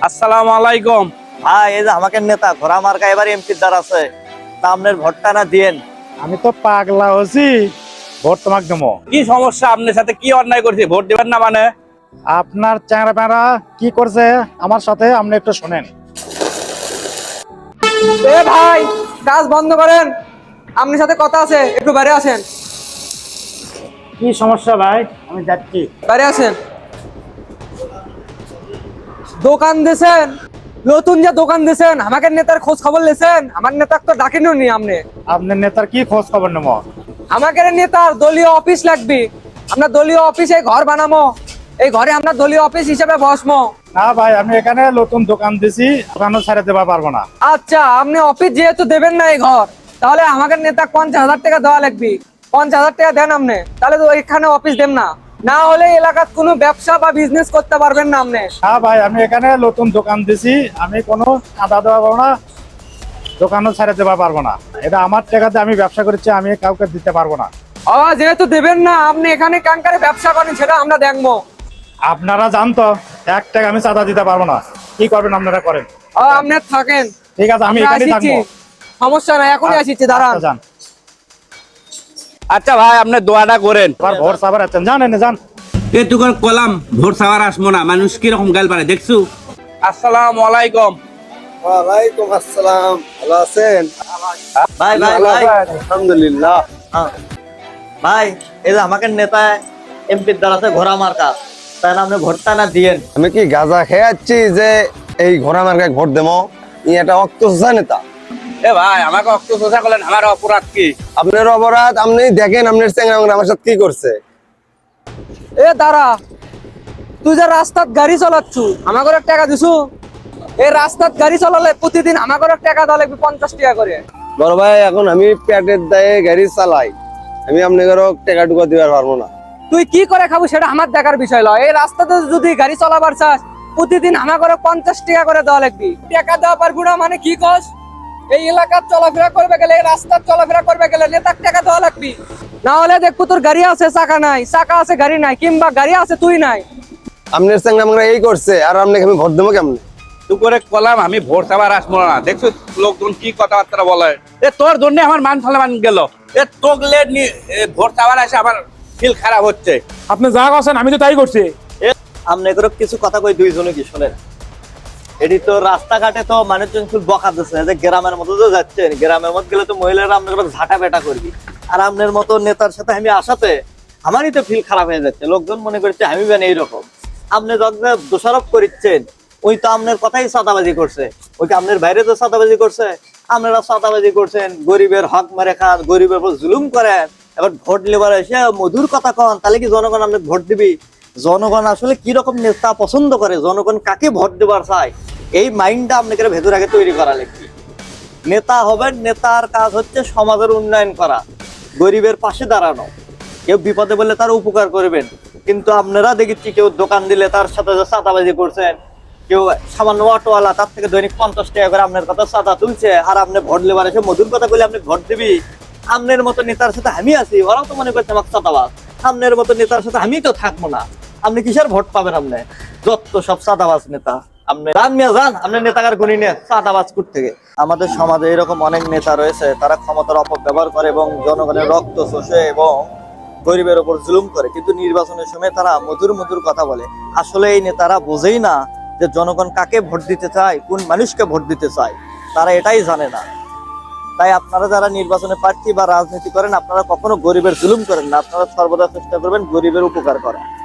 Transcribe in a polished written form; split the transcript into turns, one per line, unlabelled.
আসসালামু আলাইকুম।
ভাই এই যে আমাকে নেতা ঘোড়া মার্কা এবার এমপির দ্বার আছে, তা আপনার ভোটটা না দিয়েন।
আমি তো পাগলা হচ্ছি, ভোট তোমাকে দেবো।
কি সমস্যা? আপনার সাথে কি অন্যায় করছি? ভোট দিবেন না মানে?
আপনার চ্যাংরা প্যাংরা কি করছে আমার সাথে আপনি একটু শোনেন।
এ ভাই, কাজ বন্ধ করেন, আপনার সাথে কথা আছে, একটু বাইরে আসেন।
কি সমস্যা ভাই? আমি যাচ্ছি।
বাইরে আসেন। দোকান দিয়েছেন, নতুন যে দোকান দিয়েছেন, আমাকে নেতার খোঁজ খবর লেছেন? আমার নেতাকে তো ডাকেনও নি আপনি।
আপনার নেতার কি খোঁজ খবর নেব?
আমাকে নেতার দলীয় অফিস লাগবে, আমরা দলীয় অফিসে ঘর বানাবো, এই ঘরে আমরা দলীয় অফিস হিসেবে বসবো।
না ভাই, আমি এখানে নতুন দোকান দিছি, দোকানও ছেড়ে দেওয়া পারবো না।
আচ্ছা, আপনি অফিস যেহেতু দেবেন না এই ঘর, তাহলে আমাকে নেতা 50,000 টাকা দেওয়া লাগবে। 50,000 টাকা দেন আপনি, তাহলে তো এখানে অফিস দেন না, না হলে এলাকার কোনো ব্যবসা বা বিজনেস করতে পারবেন না আপনি।
না ভাই, আমি এখানে নতুন দোকান দিছি, আমি কোনো চাঁদা দেওয়া পারবো না, দোকানও ছেড়ে দেওয়া পারবো না। এটা আমার টাকাতে আমি ব্যবসা করছি, আমি কাউকে দিতে পারবো না।
যেহেতু দেবেন না, আপনি এখানে কাঙ্কারে ব্যবসা করেন, সেটা আমরা দেখবো।
আপনারা জানতো 1 টাকা আমি চাঁদা দিতে পারবো না, কি করবেন আপনারা করেন।
আপনি থাকেন,
ঠিক আছে, আমি
আমরা
এখানেই
আসিচ্ছি।
থাকবো।
সমস্যা নাই, এখনই আসিচ্ছি, দাঁড়ান।
আচ্ছা, যান।
আচ্ছা ভাই, আপনি দোয়াটা করেন।
আবার ভোট সাবার আছেন, জানেন যান।
এটুকুর কলাম ভোট সাওয়ার আসবো না, মানুষ কিরকম গাল পারে দেখছো।
আসসালামু আলাইকুম।
ওয়ালাইকুম আসসালাম, ভালো আছেন? ভাই ভাই ভাই, আলহামদুলিল্লাহ। ভাই এই যে আমাকে নেতা এমপির দ্বার আছে ঘোড়া মার্কা, তাই না আপনি ভোটটা না দিয়েন।
আমি কি গাঁজা খেয়ে যাচ্ছি যে এই ঘোড়া মার্কায় ভোট দেবো? এটা অক্ত নেতা।
এ ভাই, আমাকে অক্ত সোজা করলেন, আমার অপরাধ কি?
আপনার অপরাধ আপনি দেখেন, আপনার চ্যাংরা আমার সাথে কি করছে।
এ দাঁড়া, তুই যে রাস্তাত গাড়ি চালাচ্ছু, আমাকে টাকা দিছু? এই রাস্তাত গাড়ি চালালে প্রতিদিন আমাকে টাকা দেওয়া লাগবে 50 টাকা করে।
বড় ভাই, এখন আমি পেটের দায়ে গাড়ি চালাই, আমি আপনাকে টাকা টুকা দিবার পারবো না।
তুই কি করে খাবো সেটা আমার দেখার বিষয় নয়। এই রাস্তাতে যদি গাড়ি চালাবার চাস, প্রতিদিন আমাকে 50 টাকা করে দেওয়া লাগবে। টাকা দেওয়া পারবো না মানে কি কস? এই এলাকার চলাফেরা করবে গেলে, এই রাস্তার চলাফেরা করবে গেলে নেতার টাকা দেওয়া লাগবে, না হলে দেখবো তোর গাড়ি আছে চাকা নাই, চাকা আছে গাড়ি নাই, কিংবা গাড়ি আছে তুই নাই।
আপনার চ্যাংরা আমরা এই করছে, আর আপনাকে আমি ভোট দেবো কেমন?
তুই করে কলাম আমি ভোট সাবার আসবো না, দেখছো লোকজন কি কথাবার্তা বলে। এ তোর জন্য আমার মান সম্মান গেল। এ তোগলে ভোট সাবার আসে আমার ফিল খারাপ হচ্ছে।
আপনি যা করছেন আমি তো তাই করছি।
আপনি এগুলো কিছু কথা কই দুইজনে কি শোনেন। এটি তো রাস্তাঘাটে তো মানুষজন খুব বকা দিচ্ছে যে গ্রামের মধ্যে তো যাচ্ছেন, গ্রামের মধ্যে গেলে তো মহিলারা আপনার ঝাঁটা বেটা করবি, আর আপনার মতো নেতার সাথে আমি আসাতে আমারই তো ফিল খারাপ হয়ে যাচ্ছে। লোকজন মনে করছে আমি বেন এইরকম। আপনি যখন দোষারোপ করছেন, ওই তো আপনার কথাই চাঁদাবাজি করছে, ওই আপনার বাইরে তো চাঁদাবাজি করছে, আপনারা চাঁদাবাজি করছেন, গরিবের হক মেরে খান, গরিবের উপর জুলুম করেন। এবার ভোট লেবার এসে মধুর কথা কন, তাহলে কি জনগণ আপনার ভোট দিবি? জনগণ আসলে কি রকম নেতা পছন্দ করে, জনগণ কাকে ভোট দেবার চায়, এই মাইন্ডটা আপনাকে ভেতর আগে তৈরি করা লাগবে। নেতা হবেন, নেতার কাজ হচ্ছে সমাজের উন্নয়ন করা, গরিবের পাশে দাঁড়ানো, কেউ বিপদে বললে তার উপকার করবেন। কিন্তু আপনারা দেখেছি কেউ দোকান দিলে তার সাথে চাঁদাবাজি করছেন, কেউ সামান্য অটোওয়ালা তার থেকে দৈনিক 50 টাকা করে আপনার কথা চাঁদা তুলছে, আর আপনি ভোট লেবার এসে মধুর কথা বলে আপনি ভোট দিবি। আপনার মতো নেতার সাথে আমি আছি, ওরাও তো মনে করছে আমার চাঁদাবাজ। আপনার মতো নেতার সাথে আমি তো থাকবো না, আপনি কিসের ভোট পাবেন? আপনি যত সব চাঁদাবাজ নেতা। আপনি যান মিয়া যান, আপনার নেতাকার গুণী নিয়ে চাঁদাবাজ কোথা থেকে? আমাদের সমাজে এরকম অনেক নেতা রয়েছে, তারা ক্ষমতার অপব্যবহার করে এবং জনগণের রক্ত শোষে এবং গরিবের উপর জুলুম করে, কিন্তু নির্বাচনের সময় তারা মধুর মধুর কথা বলে। আসলে এই নেতারা বোঝেই না যে জনগণ কাকে ভোট দিতে চায়, কোন মানুষকে ভোট দিতে চায়, তারা এটাই জানে না। তাই আপনারা যারা নির্বাচনে প্রার্থী বা রাজনীতি করেন, আপনারা কখনো গরিবের জুলুম করেন না, আপনারা সর্বদা চেষ্টা করবেন গরিবের উপকার করা।